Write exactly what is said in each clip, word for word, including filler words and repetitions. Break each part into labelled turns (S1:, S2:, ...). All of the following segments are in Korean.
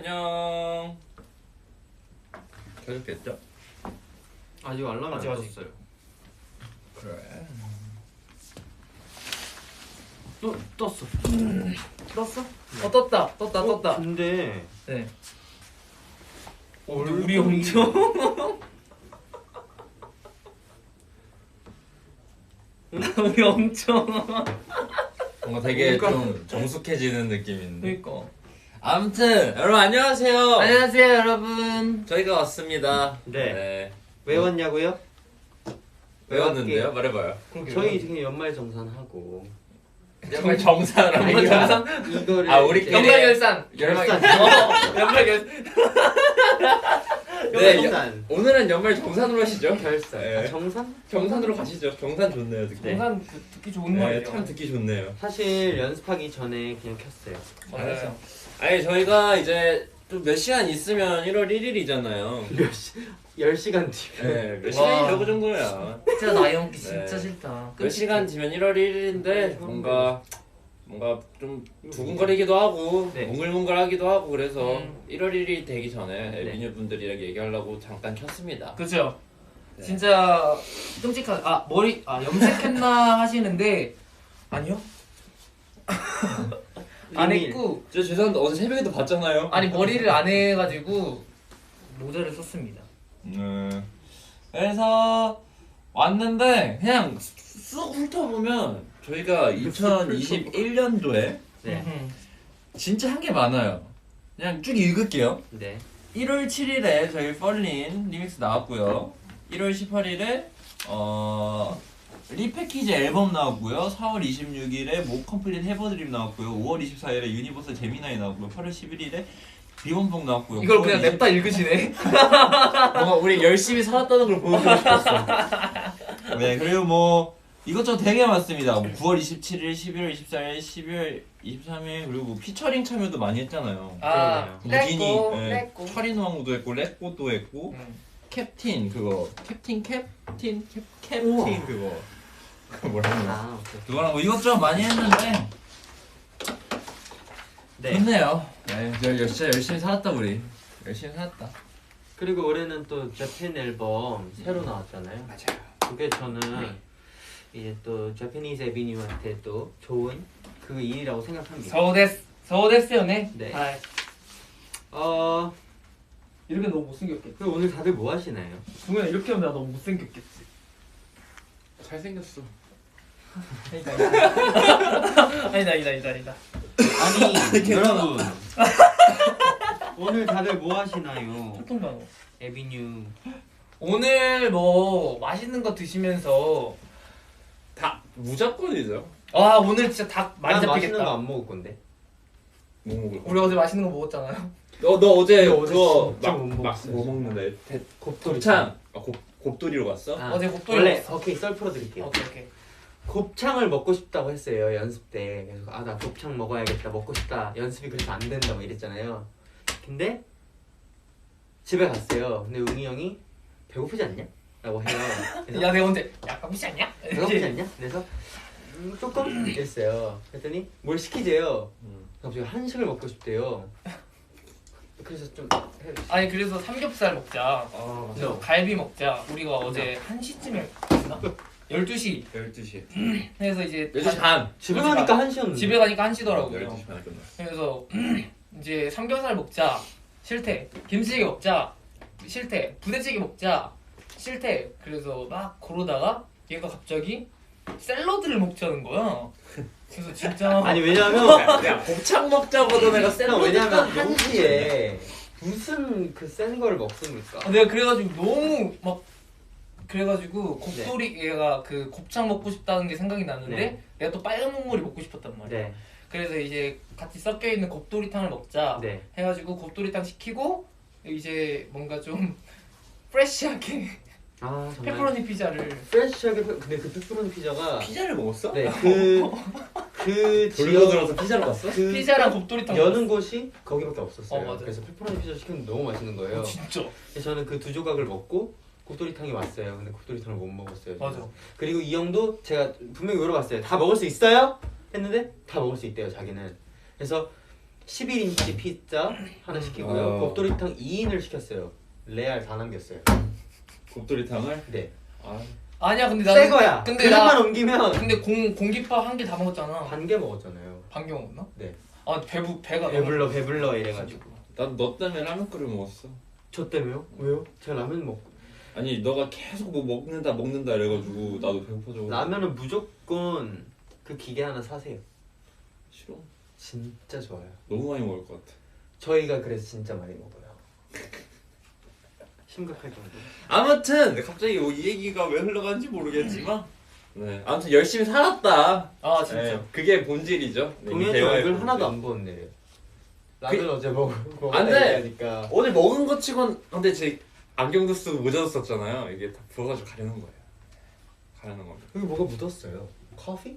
S1: 안녕. 켜졌겠죠?
S2: 아직 알람이 안 떴어요.
S1: 그래.
S2: 또 떴어.
S3: 음. 떴어?
S2: 네.
S3: 어 떴다 떴다
S2: 어,
S3: 떴다.
S2: 근데
S3: 네. 어,
S2: 얼굴이-
S3: 우리 엄청 우리 엄청
S1: 뭔가 되게
S2: 뭔가-
S1: 좀 정숙해지는 느낌인데.
S3: 그러니까.
S1: 아무튼 여러분 안녕하세요.
S3: 안녕하세요 여러분.
S1: 저희가 왔습니다.
S2: 네. 왜 왔냐고요?
S1: 왜 왔는데요? 말해봐요.
S2: 저희 지금 연말 정산하고
S1: 정말 정산을
S3: 연말 정산?
S2: 이거를
S1: 아, 우리
S2: 이제
S3: 연말 결산.
S2: 결산.
S3: 어, 연말 결산.
S1: 네,
S2: 정산.
S1: 오늘은 연말 정산으로 하시죠.
S2: 결산.
S1: 네.
S2: 아, 정산?
S1: 정산으로 가시죠. 정산 좋네요, 듣기.
S3: 정산 그, 듣기 좋은
S1: 네,
S3: 말이에요.
S1: 참 듣기 좋네요.
S2: 사실 연습하기 전에 그냥 켰어요.
S3: 맞아요.
S1: 아니 저희가 이제 좀 몇 시간 있으면 일월 일일이잖아요.
S2: 몇 시? 열 시간 뒤에.
S1: 네, 몇
S3: 와.
S1: 시간이라고 정도야.
S3: 진짜 나이 먹기
S1: 네.
S3: 진짜 싫다.
S1: 몇 시간 뒤면 일월 일일인데 뭔가 뭔가 좀 두근거리기도 하고
S2: 네.
S1: 몽글몽글하기도 하고 그래서
S3: 음.
S1: 일월 일일이 되기 전에
S2: 네.
S1: 에비뉴 분들이랑 얘기하려고 잠깐 켰습니다.
S3: 그죠?
S1: 네.
S3: 진짜 끔찍한 아 머리 아 염색했나 하시는데 아니요? 안
S2: 이미-
S3: 했고
S1: 저 죄송한데 어제 새벽에도 봤잖아요.
S3: 아니 머리를 안 해가지고 모자를 썼습니다.
S1: 음. 그래서 왔는데 그냥 쑥 훑어보면 저희가 이천이십일 년도에
S2: 네.
S3: 음.
S1: 진짜 한 게 많아요. 그냥 쭉 읽을게요.
S2: 네.
S1: 일월 칠일에 저희 펄린 리믹스 나왔고요. 일월 십팔일에 어 리패키지 앨범 나왔고요. 사월 이십육일에 모 컴플릿 해버드림 나왔고요. 오월 이십사일에 유니버설 제미나이 나왔고요. 팔월 십일일에 비본봉 나왔고요.
S3: 이걸 그냥
S1: 구월
S3: 냅다 읽으시네.
S1: 뭔가 우리 열심히 살았다는 걸 보여주고 싶었어. 네, 그리고 뭐 이것저것 되게 많습니다. 뭐 구월 이십칠일, 십일월 이십사일, 십이월 이십삼일 그리고 뭐 피처링 참여도 많이 했잖아요.
S3: 아,
S1: 무진이,
S3: 렛고,
S1: 예,
S3: 렛고.
S1: 철인왕후도 했고, 렛고도 했고,
S3: 음.
S1: 캡틴 그거, 캡틴 캡틴 캡
S2: 우와.
S1: 캡틴 그거, 그 뭐라 하냐?
S2: 아, 오케이.
S1: 그거랑 뭐 이것저것 많이 했는데
S2: 네.
S1: 좋네요. 네, 저 진짜 열심히 살았다 우리. 열심히 살았다.
S2: 그리고 올해는 또 재팬 앨범 새로 나왔잖아요.
S1: 맞아요.
S2: 그게 저는 이제 또 재패니즈 에비뉴한테 또 좋은 그 일이라고 생각합니다.
S3: そうですそうですよね
S2: 네.
S3: はい
S2: 어,
S3: 이렇게 너무 못생겼겠지.
S2: 그럼 오늘 다들 뭐 하시나요?
S3: 동현아 이렇게 하면 나 너무 못생겼겠지.
S1: 잘생겼어.
S3: 아니다 아니다 아니다 아니다 아니다 아니다.
S2: 아니 여러분 오늘 다들 뭐 하시나요?
S3: 보통 단어.
S2: 에비뉴
S3: 오늘 뭐 맛있는 거 드시면서
S1: 다 무조건이죠.
S3: 아 오늘 진짜 닭 많이
S2: 난 맛있는 거
S3: 잡히겠다.
S2: 안 먹을 건데.
S1: 뭐 먹을
S3: 우리 어제 맛있는 거 먹었잖아요.
S1: 너, 너 어제
S2: 너 어제
S1: 그거
S2: 진짜
S1: 막,
S2: 못
S1: 막
S2: 먹었어요,
S1: 뭐
S2: 진짜.
S1: 먹는데? 대,
S2: 곱돌이.
S1: 곱창! 아, 곱, 곱돌이로 갔어?
S2: 아,
S3: 어제 곱돌이
S2: 원래
S3: 먹었어.
S2: 오케이 썰 풀어드릴게요.
S3: 오케이 오케이.
S2: 곱창을 먹고 싶다고 했어요 연습 때. 그래서 아 나 곱창 먹어야겠다 먹고 싶다. 연습이 그래서 안 된다 뭐 이랬잖아요. 근데 집에 갔어요. 근데 웅이 형이 배고프지 않냐? 라고 해요. 그래서
S3: 야 내가 언제 야 깜짝이 않냐?
S2: 배고프지 않냐? 그래서 음, 조금 이랬어요. 그랬더니 뭘 시키재요.
S1: 음.
S2: 갑자기 한식을 먹고 싶대요. 그래서 좀 해주시.
S3: 아니 그래서 삼겹살 먹자.
S2: 아
S3: 그래서 갈비 먹자. 우리가 어제 한 시쯤에 갔나? 열두 시.
S1: 열두 시.
S3: 그래서 이제
S1: 열두 시 반.
S2: 집에
S3: 집에
S2: 가니까 한시였는데.
S3: 집에 가니까 한 시더라고요.
S1: 열두 시 반에 끝났어.
S3: 그래서 이제 삼겹살 먹자. 싫대. 김치찌개 먹자. 싫대. 부대찌개 먹자. 싫대. 그래서 막 그러다가 얘가 갑자기 샐러드를 먹자는 거야. 그래서 진짜
S2: 아니 왜냐면
S1: 야, 야, 곱창 먹자고도 내가 샐러드
S2: 왜냐면
S1: 딱
S2: 한시에 무슨 그 센 거를 먹습니까?
S3: 아, 내가 그래가지고 너무 막 그래가지고
S2: 네.
S3: 곱돌이 얘가 그 곱창 먹고 싶다는 게 생각이 났는데
S2: 네.
S3: 내가 또 빨간 국물이 먹고 싶었단 말이야.
S2: 네.
S3: 그래서 이제 같이 섞여 있는 곱돌이탕을 먹자
S2: 네.
S3: 해가지고 곱돌이탕 시키고 이제 뭔가 좀 프레시하게
S2: 아 정말.
S3: 페퍼로니 피자를
S2: 프레시하게 페- 근데 그 페퍼로니 피자가
S1: 피자를 먹었어?
S2: 네그그
S1: 돌고 들어서 피자를 갔어?
S2: 그
S3: 피자랑 곱돌이탕
S2: 여는 곳이 거기밖에 없었어요.
S3: 어, 맞아.
S2: 그래서 페퍼로니 피자 시켰는데 너무 맛있는 거예요.
S3: 먹었어. 진짜
S2: 그래서 저는 그 두 조각을 먹고 곱돌이탕이 왔어요. 근데 곱돌이탕을 못 먹었어요. 저는.
S3: 맞아.
S2: 그리고 이 형도 제가 분명히 물어봤어요. 다 먹을 수 있어요? 했는데 다 먹을 수 있대요. 자기는. 그래서 십일 인치 피자 하나 시키고요.
S1: 어.
S2: 곱돌이탕 이 인을 시켰어요. 레알 다 남겼어요.
S1: 곱돌이탕을?
S2: 네.
S1: 아,
S3: 아니야 근데
S2: 새
S3: 나는
S2: 거야.
S3: 근데
S2: 그릇만
S3: 나
S2: 옮기면
S3: 근데 공 공깃밥 한 개 다 먹었잖아.
S2: 반 개 먹었잖아요.
S3: 반개 먹었나?
S2: 네.
S3: 아 배부 배가
S2: 배불러 배불러 이래가지고.
S1: 난 너 때문에 라면 끓여 먹었어.
S2: 저 때문에요? 왜요? 제가 라면 먹.
S1: 아니 너가 계속 뭐 먹는다 먹는다 이래가지고 나도 배고파져.
S2: 라면은 무조건 그 기계 하나 사세요.
S1: 싫어.
S2: 진짜 좋아요.
S1: 너무 많이 먹을 것 같아.
S2: 저희가 그래서 진짜 많이 먹어요. 심각할 정도.
S1: 아무튼 갑자기 이 얘기가 왜 흘러간지 모르겠지만 네 아무튼 열심히 살았다.
S3: 아 진짜.
S1: 네, 그게 본질이죠. 네, 이
S2: 동현이
S1: 대화의
S2: 얼굴
S1: 본질.
S2: 하나도 안 부었네요. 라면 어제 먹 먹었다
S1: 안 돼.
S2: 얘기하니까.
S1: 오늘 먹은 것 치곤 근데 제 안경도 쓰고 모자도 썼잖아요. 이게 다 부어가지고 가리는 거예요. 가리는 겁니다.
S2: 여기 뭐가 묻었어요. 커피?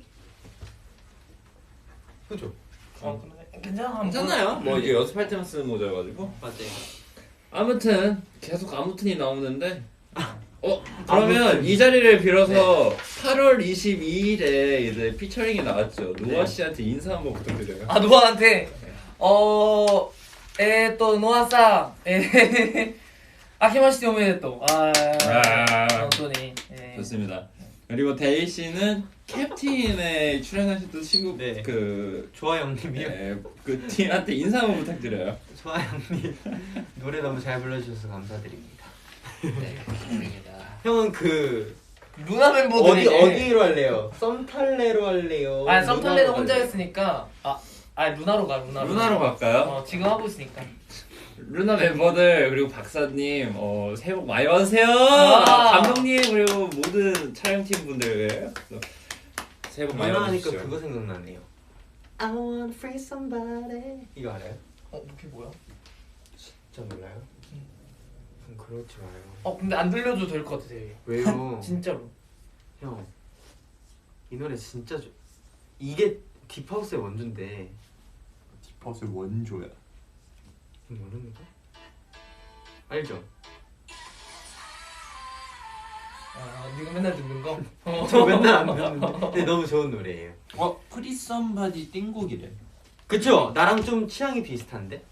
S2: 그죠?
S3: 어 근데 괜찮아.
S1: 괜찮아요. 뭐 이게 연습할 때만 쓰는 모자여가지고.
S2: 맞아요.
S1: 아무튼 계속 아무튼이 나오는데 어 그러면 이 자리를 빌어서 팔월 이십이일에 이제 피처링이 나왔죠. 노아 씨한테 인사 한번 부탁드려요.
S3: 아 노아한테 어, 에 또 노아さん 에 아키마시테 오메데토. 아,
S1: 아.
S3: 本当に 예.
S1: 좋습니다. 그리고 데이 씨는 캡틴에 출연하셨던 친구
S2: 네.
S1: 그
S2: 좋아 형님이요.
S1: 네, 그 팀한테 인사 한번 부탁드려요.
S2: 좋아 형님. 노래 너무 잘 불러주셔서 감사드립니다.
S3: 네, 감사합니다.
S2: 형은 그
S3: 루나 멤버들이
S2: 어디 어디로 할래요? 썸탈레로 할래요?
S3: 아 썸탈레는
S2: 루나로
S3: 혼자
S2: 할래요?
S3: 했으니까 아, 아 루나로 가 루나로.
S1: 루나로 갈까요?
S3: 어 지금 하고 있으니까.
S1: 루나 멤버들 그리고 박사님 어, 새해 복 많이 받으세요.
S3: 와.
S1: 감독님 그리고 모든 촬영팀 분들 새해 복 많이
S2: 루나 하니까
S1: 받으시죠.
S2: 그거 생각나네요. I wanna free somebody. 이거 알아요?
S3: 어 그게 뭐야?
S2: 진짜 몰라요?
S3: 음.
S2: 그럼 그러지 마요.
S3: 어 근데 안 들려줘도 될 것 같아 되게.
S2: 왜요?
S3: 진짜로.
S2: 형, 이 노래 진짜 좋. 이게 딥하우스의 원조인데.
S1: 딥하우스 원조야.
S2: 이거 모르는 거? 알죠?
S3: 아 네가 맨날 듣는 거? 어.
S2: 저 맨날 안 듣는데. 근데 너무 좋은 노래예요.
S1: 어 프리 썸바디 띵곡이래.
S2: 그쵸? 나랑 좀 취향이 비슷한데?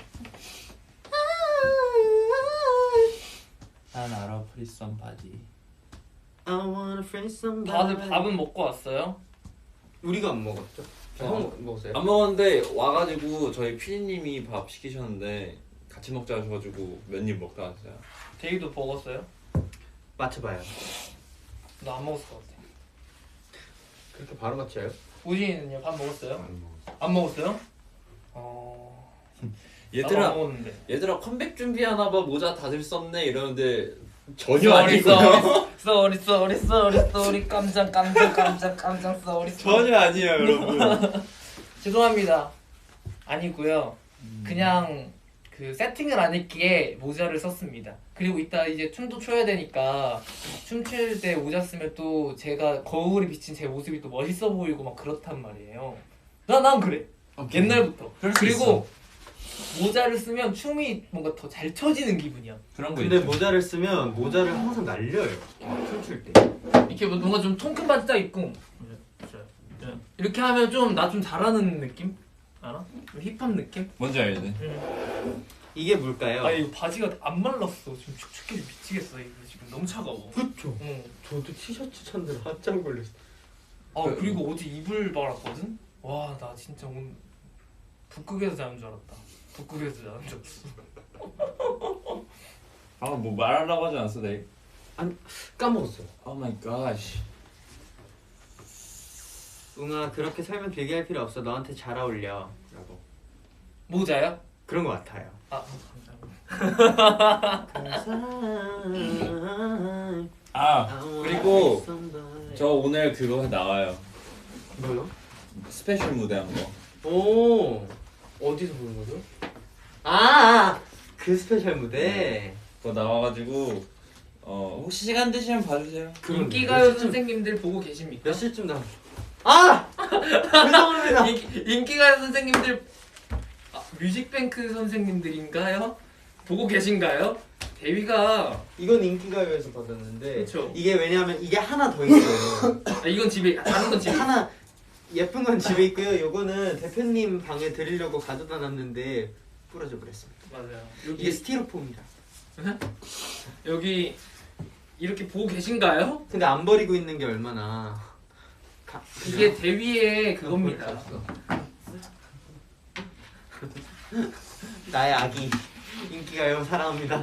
S1: 난 알아 프리 썸바디.
S2: I wanna free somebody.
S3: 다들 밥은 먹고 왔어요?
S2: 우리가 안 먹었죠?
S1: 어.
S2: 형 먹었어요?
S1: 안 먹었는데 와가지고 저희 피디님이 밥 시키셨는데 같이 먹자 하셔가지고 몇 입 먹다 왔어요.
S3: 데이도 먹었어요?
S2: 맞춰봐요.
S3: 나 안 먹었을 것 같아.
S2: 그렇게 바로 맞춰요?
S3: 우진이는요? 밥 먹었어요?
S1: 안 먹었어.
S3: 안 먹었어요? 어... 나도 안
S1: 얘들아
S3: 먹었는데.
S1: 얘들아 컴백 준비하나봐 모자 다들 썼네 이러는데 전혀
S3: 쏘리
S1: 아니고요.
S3: 쏘리 쏘리 쏘리 쏘리 깜짝 깜짝 깜짝 깜짝 쏘리 쏘리.
S1: 전혀 아니에요 여러분.
S3: 죄송합니다. 아니고요. 그냥 그 세팅을 안 했기에 모자를 썼습니다. 그리고 이따 이제 춤도 춰야 되니까 춤출 때 모자 쓰면 또 제가 거울에 비친 제 모습이 또 멋있어 보이고 막 그렇단 말이에요. 나 난 그래. 옛날부터.
S1: 그럴 수
S3: 그리고 모자를 쓰면 춤이 뭔가 더 잘 쳐지는 기분이야.
S1: 그런 거
S2: 근데
S1: 있죠.
S2: 모자를 쓰면 모자를 항상 날려요. 춤출 때.
S3: 이렇게 뭐 뭔가 좀 통큰 바지 딱 입고 이렇게 하면 좀 나 좀 잘하는 느낌? 알아? 좀 힙합 느낌?
S1: 뭔지 알지?
S3: 응.
S2: 이게 뭘까요?
S3: 아 이거 바지가 안 말랐어. 지금 축축해서 미치겠어. 이거 지금 너무 차가워.
S2: 그쵸.
S3: 응.
S2: 저도 티셔츠 찾느라 한참 걸렸어.
S3: 아
S1: 그-
S3: 그리고 어제 이불 말았거든? 와 나 진짜 오늘 북극에서 자는 줄 알았다. 북극에서 자는 줄 알았어.
S1: 아 뭐 말하려고 하지 않았어 내.
S2: 까먹었어요.
S1: 오 마이 갓.
S2: 웅아 그렇게 살면 길게 할 필요 없어. 너한테 잘 어울려. 라고.
S3: 모자요?
S2: 그런 거 같아요.
S3: 아 감사합니다.
S1: 아 그리고 저 오늘 그거 나와요.
S2: 뭐요?
S1: 스페셜 무대 한 거.
S2: 오 어디서 보는 거죠? 아, 그 스페셜 무대.
S1: 그거 나와가지고 어 혹시 시간 되시면 봐주세요.
S2: 그건
S3: 인기가요
S2: 몇 시쯤-
S3: 선생님들 보고 계십니까?
S2: 몇 시쯤 나? 아 죄송합니다.
S3: 인기, 인기가요 선생님들 아, 뮤직뱅크 선생님들인가요? 보고 계신가요? 데뷔가
S2: 이건 인기가요에서 받았는데
S3: 그쵸.
S2: 이게 왜냐면 이게 하나 더 있어요.
S3: 아, 이건 집에 다른 건 집에
S2: 하나 예쁜 건 집에 있고요. 요거는 대표님 방에 드리려고 가져다 놨는데 부러져 버렸습니다.
S3: 맞아요.
S2: 이게
S3: 여기
S2: 스티로폼이라.
S3: 여기 이렇게 보고 계신가요?
S2: 근데 안 버리고 있는 게 얼마나 가,
S3: 이게 대위의 그겁니다.
S2: 나의 아기 인기가요 사랑합니다.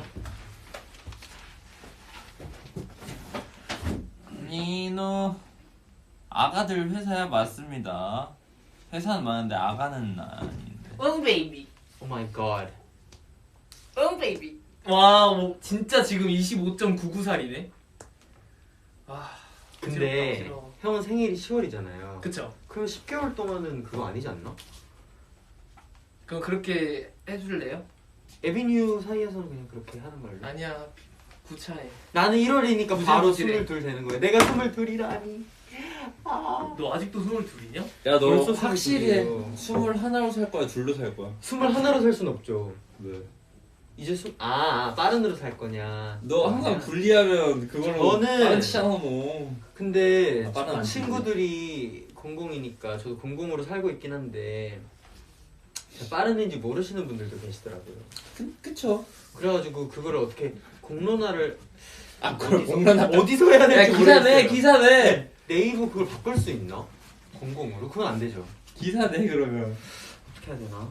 S1: 니노 아가들 회사야 맞습니다. 회사는 많은데 아가는 아닌데.
S3: 응 베이비.
S2: 오 마이 갓.
S3: 응 베이비. 와, 뭐 진짜 지금 이십오 점 구구 살이네. 와.
S2: 근데
S3: 어지러워.
S2: 형은 생일이 시월이잖아요.
S3: 그쵸?
S2: 그럼 십 개월 동안은 그거 아니지 않나?
S3: 그럼 그렇게 해줄래요?
S2: 에비뉴 사이에서는 그냥 그렇게 하는 걸로.
S3: 아니야. 구차해.
S2: 나는 일월이니까
S3: 무슨
S2: 바로
S3: 소리래?
S2: 스물둘 되는 거야. 내가 스물둘이라니. 아.
S3: 너 아직도 스물둘이냐?
S1: 야 너
S2: 벌써
S1: 확실히
S2: 스물둘이에요.
S1: 스물 하나로 살 거야, 둘로 살 거야?
S2: 스물하나로 살 순 없죠.
S1: 왜?
S2: 이제 수... 아, 아 빠른으로 살 거냐.
S1: 너 항상 분리하면 그걸로
S2: 저는-
S1: 빠르치잖아 뭐.
S2: 근데
S1: 아, 빠른 안
S2: 친구들이 공공이니까 저도 공공으로 살고 있긴 한데 빠른인지 모르시는 분들도 계시더라고요.
S1: 그, 그쵸.
S2: 그래가지고 그거를 어떻게 공론화를
S1: 아 그걸
S2: 어디서,
S1: 공론화
S2: 어디서 해야
S1: 야
S2: 될지
S1: 기사 내
S2: 모르겠어요.
S1: 기사 내
S2: 네이버 그걸 바꿀 수 있나? 공공으로? 그건 안 되죠.
S1: 기사 내 그러면.
S2: 어떻게 해야 되나?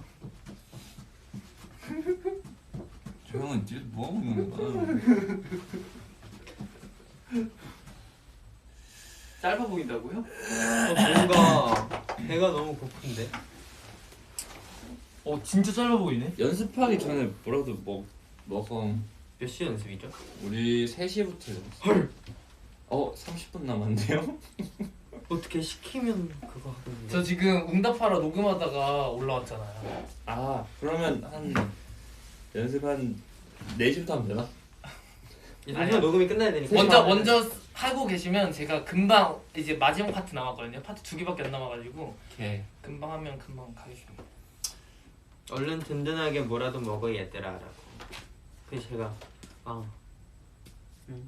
S1: 저 형은 뒤에서 뭐 하고 있는 거야?
S3: 짧아 보인다고요?
S2: 어, 뭔가 배가 너무 고픈데.
S3: 어 진짜 짧아 보이네.
S1: 연습하기 전에 뭐라도 먹 먹어.
S2: 몇 시 연습이죠?
S1: 우리 세 시부터 연습. 헐. 어 삼십 분 남았네요.
S2: 어떻게 시키면 그거 하던데.
S3: 저 지금 응답하러 녹음하다가 올라왔잖아요.
S1: 아 그러면 한 연습 한 네 시부터 하면 되나?
S2: 아니요, 녹음이 끝나야 되니까.
S3: 먼저 먼저 하고 계시면 제가 금방 이제 마지막 파트 남았거든요. 파트 두 개밖에 안 남아가지고
S1: 오케이.
S3: 금방 하면 금방 가겠습니다.
S2: 얼른 든든하게 뭐라도 먹어 얘들아라고. 그래서 제가 아, 응.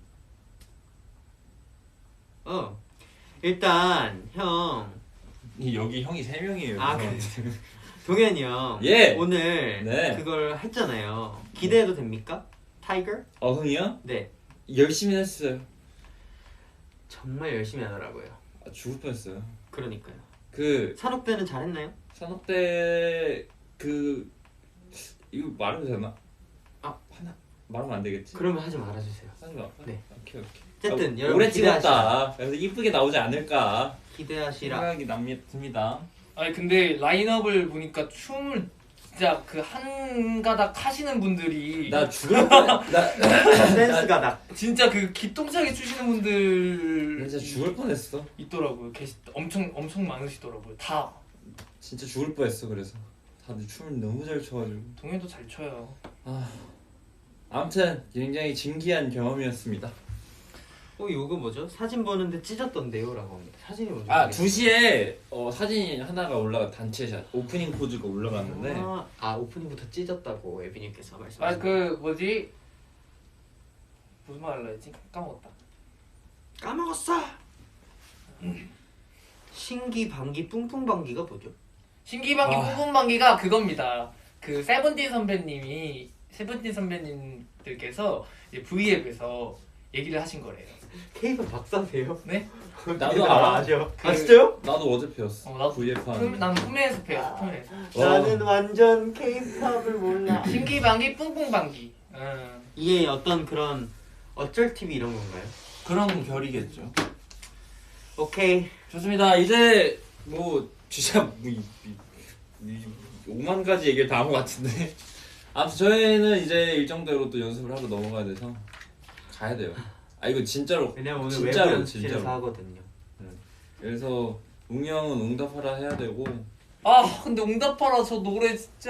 S2: 어 일단 형
S1: 이 여기 형이 세 명이에요.
S2: 아,
S1: 그래서.
S2: 동현이 형
S1: 예.
S2: 오늘
S1: 네.
S2: 그걸 했잖아요. 기대해도 됩니까? 타이거?
S1: 어 형이요?
S2: 네,
S1: 열심히 했어요.
S2: 정말 열심히 하더라고요.
S1: 아, 죽을 뻔했어요.
S2: 그러니까요.
S1: 그
S2: 산업대는 잘했나요?
S1: 산업대 그 이거 말해도 되나?
S2: 아.
S1: 하나 말하면 안 되겠지?
S2: 그러면 하지 말아주세요.
S1: 하지 마.
S2: 네.
S1: 오케이 오케이.
S2: 어쨌든
S1: 아,
S2: 여러분
S1: 오래
S2: 기대하시라.
S1: 찍었다. 그래서 이쁘게 나오지 않을까
S2: 기대하시라.
S1: 생각이 납니다.
S3: 아니 근데 라인업을 보니까 춤을 진짜 그 한 가닥 하시는 분들이
S1: 나 죽을 뻔. 나
S2: 댄스가 나.
S3: 진짜 그 기똥차게 추시는 분들
S1: 진짜 죽을 뻔했어.
S3: 있더라고요. 계시 엄청 엄청 많으시더라고요. 다
S1: 진짜 죽을 뻔했어. 그래서 다들 춤을 너무 잘 춰가지고.
S3: 동현도 잘 춰요.
S1: 아 아무튼 굉장히 진기한 경험이었습니다.
S2: 어 이거 뭐죠? 사진 보는데 찢었던데요라고 합니다. 사진이 뭐죠?
S1: 아 두 시에 어, 사진이 하나가 올라가 단체샷 오프닝 포즈가 올라갔는데
S2: 아, 아 오프닝부터 찢었다고 에비님께서 말씀하셨어요.
S3: 아 그 뭐지 무슨 말 하려 했지? 까먹었다.
S2: 까먹었어. 신기 방기 뿡뿡 방기가 뭐죠?
S3: 신기방기
S1: 아.
S3: 뿜뿜방기가 그겁니다. 그 세븐틴 선배님이 세븐틴 선배님들께서 이제 V앱에서 얘기를 하신 거래요.
S2: 케이팝 박사세요?
S3: 네?
S1: 나도 알아.
S2: 아죠.
S3: 그-
S2: 아 진짜요?
S1: 나도 어제 배웠어.
S3: 어, 나도
S1: 브이에프
S3: 품-
S1: 하는.
S3: 난 품에서 배웠어. 품에서.
S2: 나는 완전 케이팝을 몰라.
S3: 신기방기 뿜뿜방기. 음.
S2: 이게 어떤 그런 어쩔 티비 이런 건가요?
S1: 그런 결이겠죠.
S2: 오케이.
S1: 좋습니다. 이제 뭐 진짜 뭐 이, 이, 이, 오만 가지 얘기를 다 한 것 같은데. 아무튼 저희는 이제 일정대로 또 연습을 하고 넘어가야 돼서 가야 돼요. 아 이거 진짜로.
S2: 왜냐면 오늘
S1: 진짜로,
S2: 외부 연습실에서
S1: 진짜로.
S2: 하거든요.
S1: 그래서 웅이 형은 응답하라 해야 되고.
S3: 아 근데 응답하라 저 노래 진짜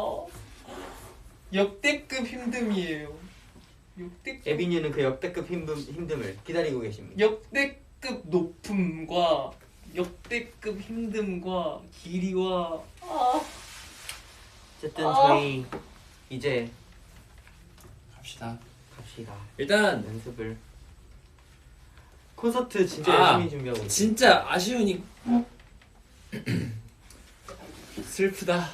S3: 역대급 힘듦이에요. 역대급
S2: 에비뉴는 그 역대급 힘듦, 힘듦을 기다리고 계십니다.
S3: 역대급 높음과 역대급 힘듦과 길이와 아
S2: 어쨌든
S3: 아.
S2: 저희 이제
S1: 갑시다.
S2: 갑시다.
S1: 일단
S2: 연습을. 콘서트 진짜
S1: 아,
S2: 열심히 준비하고 있어요.
S1: 진짜 아쉬우니 슬프다.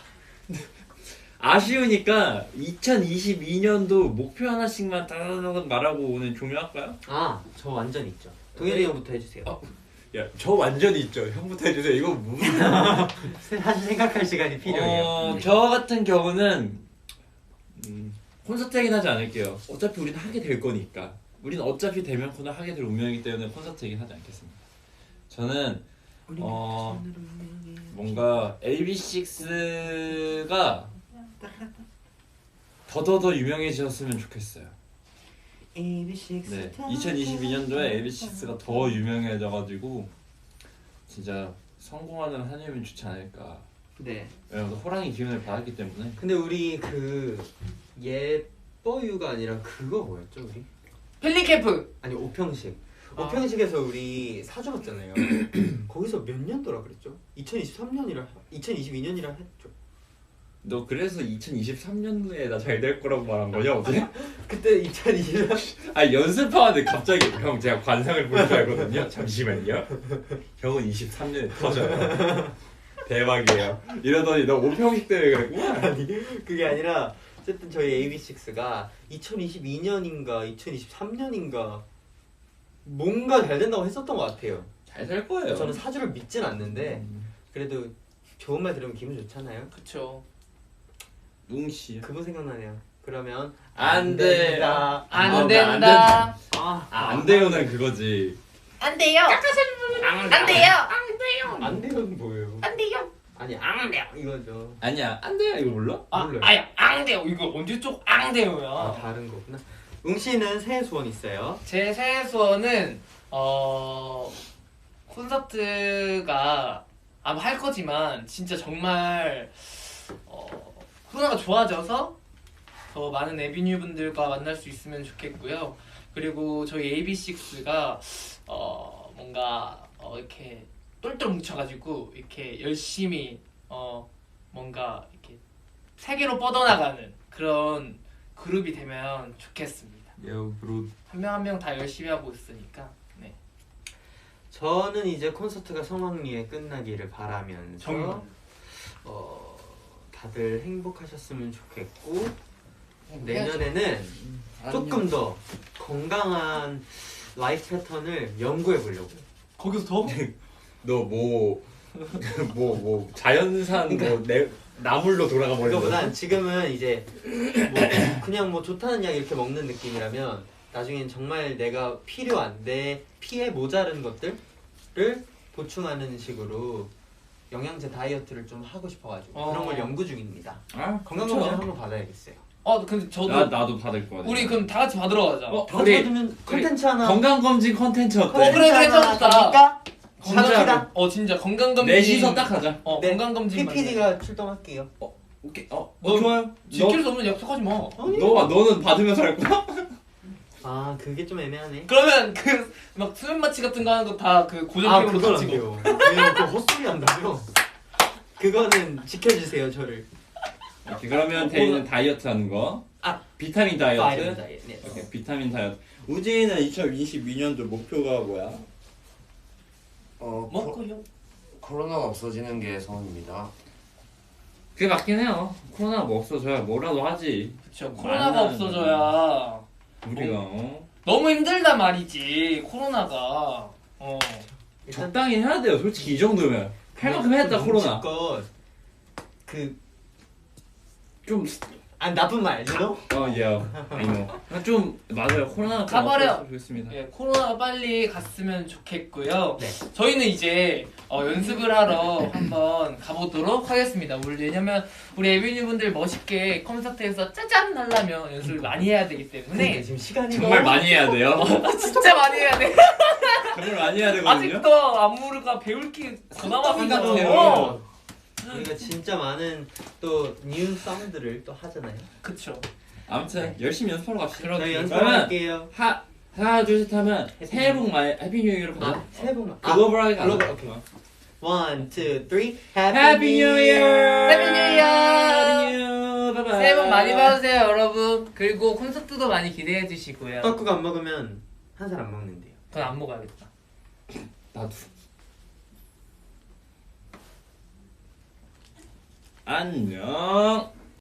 S1: 아쉬우니까 이천이십이 년도 목표 하나씩만 따다다닥 말하고 오늘 종료할까요?
S2: 아, 저 완전 있죠. 동현이 형부터 해주세요.
S1: 어. 야, 저 완전히 있죠. 형부터 해주세요. 이거 무슨?
S2: 사실 생각할 시간이 필요해요.
S1: 어, 저 같은 경우는 음, 콘서트 얘기는 하지 않을게요. 어차피 우리는 하게 될 거니까. 우리는 어차피 대면 코너 하게 될 운명이기 때문에 콘서트 얘기는 하지 않겠습니다. 저는 어 뭔가 에이비식스가 더더더 유명해졌으면 좋겠어요.
S2: 에이비식스
S1: 네, 이천이십이 년도에 에이비식스가 더 유명해져가지고 진짜 성공하는 한 해면 좋지 않을까.
S2: 네.
S1: 왜냐면 호랑이 기운을 받았기 때문에.
S2: 근데 우리 그 예뻐유가 아니라 그거 뭐였죠 우리?
S3: 펠리캠프.
S2: 아니 오평식.
S3: 아.
S2: 오평식에서 우리 사주 봤잖아요. 거기서 몇 년도라 그랬죠? 이천이십삼 년이라 이천이십이 년이라 했죠.
S1: 너 그래서 이천이십삼 년도에 나 잘 될 거라고 말한 거냐 어제?
S2: 그때 이천이십삼
S1: 아 연습하는데 갑자기 형 제가 관상을 볼 줄 알거든요. 잠시만요. 형은 이십삼 년에 터져요. 대박이에요. 이러더니 너 오평식 때문에 그랬구나.
S2: 아니 그게 아니라 어쨌든 저희 에이비식스가 이천이십이 년인가 이천이십삼 년인가 뭔가 잘 된다고 했었던 것 같아요.
S1: 잘 될 거예요.
S2: 저는 사주를 믿진 않는데
S1: 음,
S2: 그래도 좋은 말 들으면 기분 좋잖아요.
S3: 그쵸.
S1: 웅씨.
S2: 그분 생각나네요. 그러면
S1: 안 된다.
S3: 안
S1: 어,
S3: 된다.
S1: 안 된다.
S2: 아,
S1: 아, 안 돼요는 그거지.
S3: 안 돼요. 안 돼요. 안 돼요.
S2: 안 돼요는 뭐예요?
S3: 안 돼요.
S2: 아니 안 돼요 이거죠.
S1: 아니야 안 돼요 이거 몰라?
S3: 아,
S2: 몰라요.
S3: 아야 안 돼요. 이거 언제 쪽 안
S2: 아
S3: 돼요야.
S2: 다른 거구나. 웅 씨는 새해 소원 있어요?
S3: 제 새해 소원은 어 콘서트가 아마 할 거지만 진짜 정말 어 코로나가 좋아져서 더 많은 에비뉴 분들과 만날 수 있으면 좋겠고요. 그리고 저희 에이비식스가 어 뭔가 어 이렇게 똘똘 뭉쳐가지고 이렇게 열심히 어 뭔가 이렇게 세계로 뻗어나가는 그런 그룹이 되면 좋겠습니다.
S1: 요 브로.
S3: 한 명 한 명 다 열심히 하고 있으니까. 네.
S2: 저는 이제 콘서트가 성황리에 끝나기를 바라면서
S3: 정말.
S2: 어 다들 행복하셨으면 좋겠고
S3: 해야죠.
S2: 내년에는 조금 더 건강한 라이프 패턴을 연구해 보려고요.
S3: 거기서 더?
S1: 너뭐뭐 뭐 뭐 자연산 뭐내 나물로 돌아가 버리는 거야?
S2: 그거보단 지금은 이제 뭐 그냥 뭐 좋다는 약 이렇게 먹는 느낌이라면 나중엔 정말 내가 필요한 내 피에 모자른 것들을 보충하는 식으로 영양제 다이어트를 좀 하고 싶어가지고
S3: 어.
S2: 그런 걸 연구 중입니다.
S1: 아
S2: 건강검진 한번 받아야겠어요.
S3: 어 근데 저도
S1: 나 나도 받을 거야.
S3: 우리 그럼 다 같이 받으러 가자.
S1: 어,
S2: 다
S1: 우리-
S2: 받으면 컨텐츠 하나
S1: 건강 검진 컨텐츠 어때?
S3: 어, 그래, 그래,
S2: 하나
S3: 좋다.
S2: 갑니까?
S1: 진짜로.
S2: 갑시다.
S3: 어 진짜 건강 검진.
S1: 넷이서 딱 하자.
S3: 어
S2: 네.
S3: 건강 검진.
S2: 피피디가 출동할게요.
S1: 오케이. 어,
S3: 너-
S1: 어 좋아요.
S3: 지킬 수 없는 약속하지 마.
S2: 아니.
S1: 너, 너 너는 받으면서 할 거야?
S2: 아 그게 좀 애매하네.
S3: 그러면 그 막 수면 마취 같은 거 하는 거 다 그 고정
S2: 아
S3: 비용으로
S2: 그건 안
S3: 다 치고.
S2: 돼요. 왜냐면 그 헛소리 한다며. 그거는 지켜주세요 저를.
S1: 오케이, 그러면 대인은 다이어트 하는 거.
S2: 아.
S1: 비타민 다이어트.
S2: 파이브 다이어트. 네.
S1: 오케이, 비타민 다이어트. 우진이는 이천이십이 년도 목표가 뭐야?
S4: 어
S3: 먹고 형.
S4: 코로나가 없어지는 게 소원입니다.
S1: 그게 맞긴 해요. 코로나가 뭐 없어져야 뭐라도 하지.
S3: 그쵸. 코로나가
S1: 많은-
S3: 없어져야
S1: 우리가 어?
S3: 너무 힘들단 말이지. 코로나가. 어.
S2: 일단
S1: 적당히 해야 돼요. 솔직히 이 정도면 할 만큼 했다 코로나.
S2: 그 그
S1: 좀
S2: 아 나쁜 말, you know?
S1: 어, 예. 아니요. 좀 맞아요. 코로나가 좀
S3: 가버려.
S1: 없었으면 좋겠습니다.
S3: 예, 코로나가 빨리 갔으면 좋겠고요.
S2: 네.
S3: 저희는 이제 어, 연습을 하러 한번 가보도록 하겠습니다. 우리 왜냐면 우리 에비뉴 분들 멋있게 콘서트에서 짜잔 하려면 연습을 많이 해야 되기
S2: 그러니까
S3: 때문에
S2: 지금 시간이
S1: 정말
S2: 너무-
S1: 많이 해야 돼요.
S3: 진짜 많이 해야 돼.
S1: 정말 많이 해야 되거든요.
S3: 아직도 안무가 배울 게 더 남았거든요.
S1: 같아요.
S2: 우리가 진짜 많은 또 뉴 사운드를 또 하잖아요.
S3: 그쵸.
S1: 아무튼 열심히 연습하러 갑시다.
S2: 저희
S1: 그러면
S2: 연습할게요.
S1: 하 하나 둘 셋 하면 새해 복 많이 해피 뉴 이어로 가자.
S2: 아 새해 복 많이.
S1: 글로벌하게 가자.
S2: 글로벌, 오케이. One, two, three.
S1: 해피 뉴 이어.
S3: 해피 뉴 이어.
S1: 해피 뉴. 바이바이.
S3: 새해 복 많이 받으세요, 여러분. 그리고 콘서트도 많이 기대해 주시고요.
S2: 떡국 안 먹으면 한 살 안 먹는데요.
S3: 그건 안 먹어야겠다.
S1: 나도. 안녕.